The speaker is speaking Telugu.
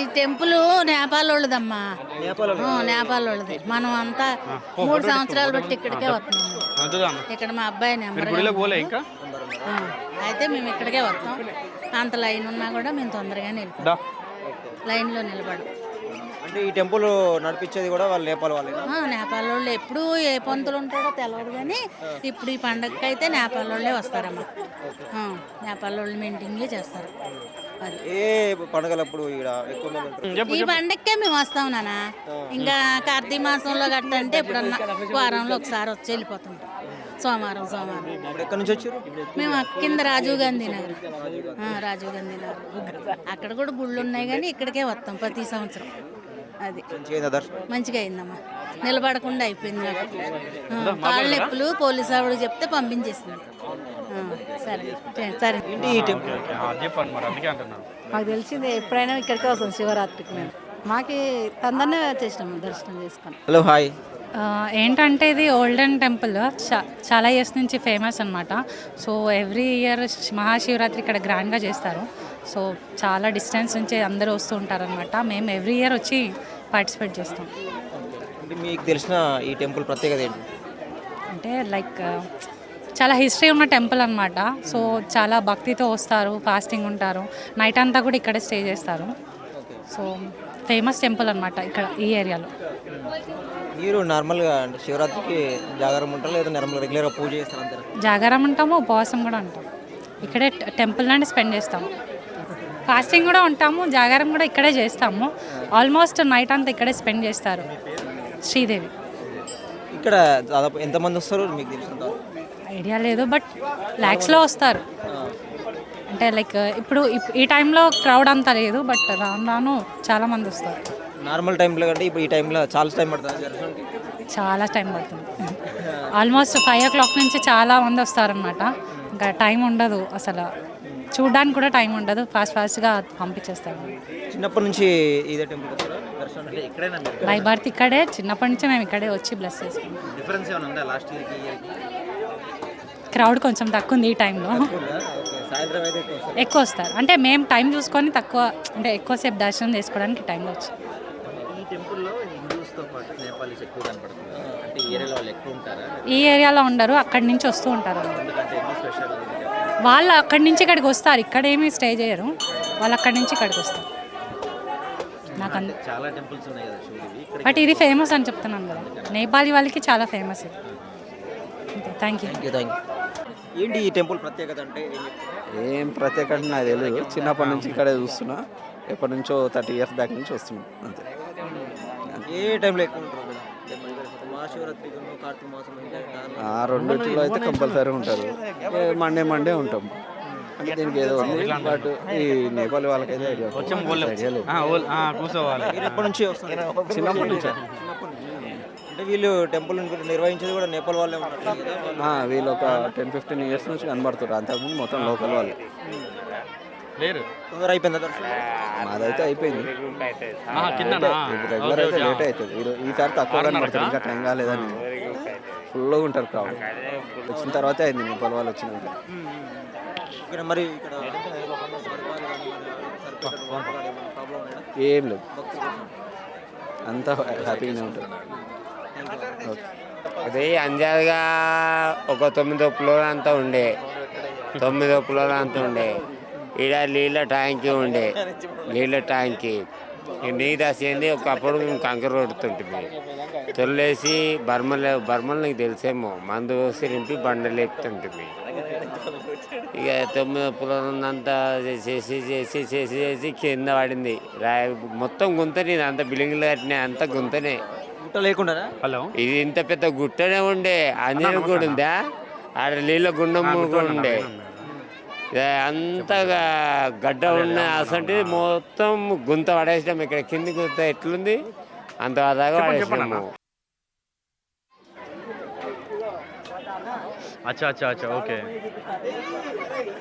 టెంపుల్ నేపాల్ వాళ్ళదమ్మా. నేపాల్ వాళ్ళది. మనం అంతా 3 సంవత్సరాలు బట్టి ఇక్కడికే వస్తున్నాం. ఇక్కడ మా అబ్బాయి నెంబర్ అయితే మేము ఇక్కడికే వస్తాం. అంత లైన్ ఉన్నా కూడా మేము తొందరగానే వెళ్ళిపోతాం. లైన్లో నిలబడం. అంటే ఈ టెంపుల్ నడిపించేది కూడా వాళ్ళు నేపాల్ వాళ్ళే. నేపాల్ వాళ్ళు ఎప్పుడు ఏ పంతులు ఉంటాడో తెలియదు, కానీ ఇప్పుడు ఈ పండగకి అయితే నేపాల్ వాళ్ళే వస్తారమ్మా. నేపాల్ వాళ్ళు మెయింటింగ్లే చేస్తారు. అది ఏ పండుగలప్పుడు ఈ పండగకే మేము వస్తాం నాన్న. ఇంకా కార్తీక మాసంలో గట్ట అంటే ఎప్పుడన్నా వారంలో ఒకసారి వచ్చి వెళ్ళిపోతుంటాం. సోమవారం ఎక్కడి నుంచి వచ్చారు? మేము కింద రాజీవ్ గాంధీ నగర్. రాజీవ్ గాంధీ నగర్ అక్కడ కూడా గుళ్ళు ఉన్నాయి, కానీ ఇక్కడికే వస్తాం ప్రతి సంవత్సరం. అది మంచిగా అయిందమ్మా. నిలబడకుండా అయిపోయింది నాకు. కాళ్ళ నొప్పులు పోలీసు ఆవిడ చెప్తే పంపించేసింది. సరే సరే. మాకు తెలిసింది ఎప్పుడైనా ఇక్కడికే వస్తాం శివరాత్రికి. మేము మాకు తొందరనే వచ్చేసినాము దర్శనం చేసుకొని. Hello hi. ఏంటంటే ఇది ఓల్డెన్ టెంపుల్, చాలా ఇయర్స్ నుంచి ఫేమస్ అనమాట. సో ఎవ్రీ ఇయర్ మహాశివరాత్రి ఇక్కడ గ్రాండ్గా చేస్తారు. సో చాలా డిస్టెన్స్ నుంచి అందరూ వస్తూ ఉంటారనమాట. మేము ఎవ్రీ ఇయర్ వచ్చి పార్టిసిపేట్ చేస్తాం. మీకు తెలిసిన ఈ టెంపుల్ ప్రత్యేకత ఏంటి? అంటే లైక్ చాలా హిస్టరీ ఉన్న టెంపుల్ అనమాట. సో చాలా భక్తితో వస్తారు, ఫాస్టింగ్ ఉంటారు, నైట్ అంతా కూడా ఇక్కడే స్టే చేస్తారు. సో ఫేమస్ టెంపుల్ అనమాట ఇక్కడ ఈ ఏరియాలో. మీరు నార్మల్గా అంటే శివరాత్రికి జాగారం ఉంటారు లేదా నార్మల్గా రెగ్యులర్గా పూజ చేస్తారు అంటారు? జాగారం ఉంటాము, ఉపవాసం కూడా ఉంటాం. ఇక్కడే టెంపుల్ నుండి స్పెండ్ చేస్తాము. ఫాస్టింగ్ కూడా ఉంటాము, జాగారం కూడా ఇక్కడే చేస్తాము. ఆల్మోస్ట్ నైట్ అంతా ఇక్కడే స్పెండ్ చేస్తారు. శ్రీదేవి. ఇక్కడ దాదాపు ఎంతమంది వస్తారు మీకు తెలిసిన? ఐడియా లేదు, బట్ ల్యాక్స్లో వస్తారు. అంటే లైక్ ఇప్పుడు ఈ టైంలో క్రౌడ్ అంతా లేదు, బట్ రాను రాను చాలామంది వస్తారు. నార్మల్ టైంలో కంటే ఇప్పుడు ఈ టైంలో చాలా టైం పడుతుంది దర్శనానికి? చాలా టైం పడుతుంది. ఆల్మోస్ట్ 5 o'clock నుంచి చాలా మంది వస్తారనమాట. ఇంకా టైం ఉండదు అసలు, చూడడానికి కూడా టైం ఉండదు. ఫాస్ట్గా పంపించేస్తాము. చిన్నప్పటి నుంచి ఇదే టెంపుల్ బై బర్త్ ఇక్కడే, చిన్నప్పటి నుంచి మేము ఇక్కడే వచ్చి బ్లెస్ చేసుకుంటాం. డిఫరెన్స్ ఏమైనా ఉందా లాస్ట్ ఇయర్కి? క్రౌడ్ కొంచెం తక్కువ ఉంది ఈ టైంలో. ఎక్కువ వస్తారు అంటే మేము టైం చూసుకొని తక్కువ, అంటే ఎక్కువసేపు దర్శనం చేసుకోవడానికి టైంలో వచ్చి. ఈ టెంపుల్లో హిందూస్తో పాటు నేపాలీస్ ఎక్కువ కనపడుతుంది. అంటే ఈ ఏరియాలో వాళ్ళు ఎక్కువ ఉంటారా? ఈ ఏరియాలో ఉండరు, అక్కడి నుంచి వస్తూ ఉంటారు. వాళ్ళు అక్కడి నుంచి ఇక్కడికి వస్తారు, ఇక్కడ ఏమీ స్టే చేయరు. వాళ్ళు అక్కడి నుంచి ఇక్కడికి వస్తారు. నాకు చాలా టెంపుల్స్ ఉన్నాయి కదా, బట్ ఇది ఫేమస్ అని చెప్తున్నాను కదా, నేపాలీ వాళ్ళకి చాలా ఫేమస్ ఇది. Thank you. ఏంటి ఈ టెంపుల్ ప్రత్యేకత అంటే? ఏం ప్రత్యేకత నాకు తెలియదు. చిన్నప్పటి నుంచి ఇక్కడే చూస్తున్నా, ఎప్పటి నుంచో 30 years బ్యాక్ నుంచి వస్తున్నాం అంతే. ఏ టైంలో ఎక్కువ ఉంటారు? మహాశివరాత్రి, కార్తీక మాసం, ఆ రెండింటిలో అయితే కంపల్సరీ ఉంటారు. మండే ఉంటాం. అంటే దీనికి ఏదో ఉంది, బట్ ఈ నేపాల్ వాళ్ళకైతే ఐడియా లేదు. ఎప్పటి నుంచి వస్తారు? చిన్నప్పటి నుంచి. అంటే వీళ్ళు టెంపుల్ నిర్వహించేది కూడా నేపాల్ వాళ్ళే ఉంటారు. వీళ్ళు ఒక 10-15 years నుంచి కనబడుతారు. అంతకుముందు మొత్తం లోకల్ వాళ్ళు. తొందర అయిపోయిందా? మాదైతే అయిపోయింది. రెగ్యులర్ అయితే లేట్ అవుతుంది. ఈసారి తక్కువ కనబడుతుంది, ఇంకా టైం కాలేదని. ఫుల్గా ఉంటారు క్రౌడ్. వచ్చిన తర్వాతే అయింది నేపాల్ వాళ్ళు వచ్చినాక. ఇక్కడ మరి ఏం లేదు, అంతా హ్యాపీగానే ఉంటుంది. అదే అందాజగా ఒక 9 ఫ్లోర్ అంతా ఉండే, 9 ఫ్లోర్ అంతా ఉండే. ఈడ నీళ్ళ ట్యాంకీ ఉండే, నీళ్ళ ట్యాంకీ. నీరు రాసేది ఒకప్పుడు మేము కంకర కొడుతుంటుంది. తొలిసి బర్మలు నీకు తెలిసేమో, మందు వేసి నింపి బండలు లేపుతుంటుంది. ఇక 9 ఫ్లోర్ అంతా చేసి కింద పడింది. మొత్తం గుంతనే, అంత బిల్డింగ్లు కట్టినాయి, అంత గుంతనే. లేకుండా ఇది ఇంత పెద్ద గుట్టనే ఉండే. ఆంజనేయ కూడా ఉందా, ఆడ నీళ్ళ గుండం కూడా ఉండే. అంతగా గడ్డ ఉన్న అసంటే మొత్తం గుంత పడేసినాం. ఇక్కడ కింది గుంత ఎట్లుంది అంత దాకా పడేసినాము. अच्छा अच्छा अच्छा ओके.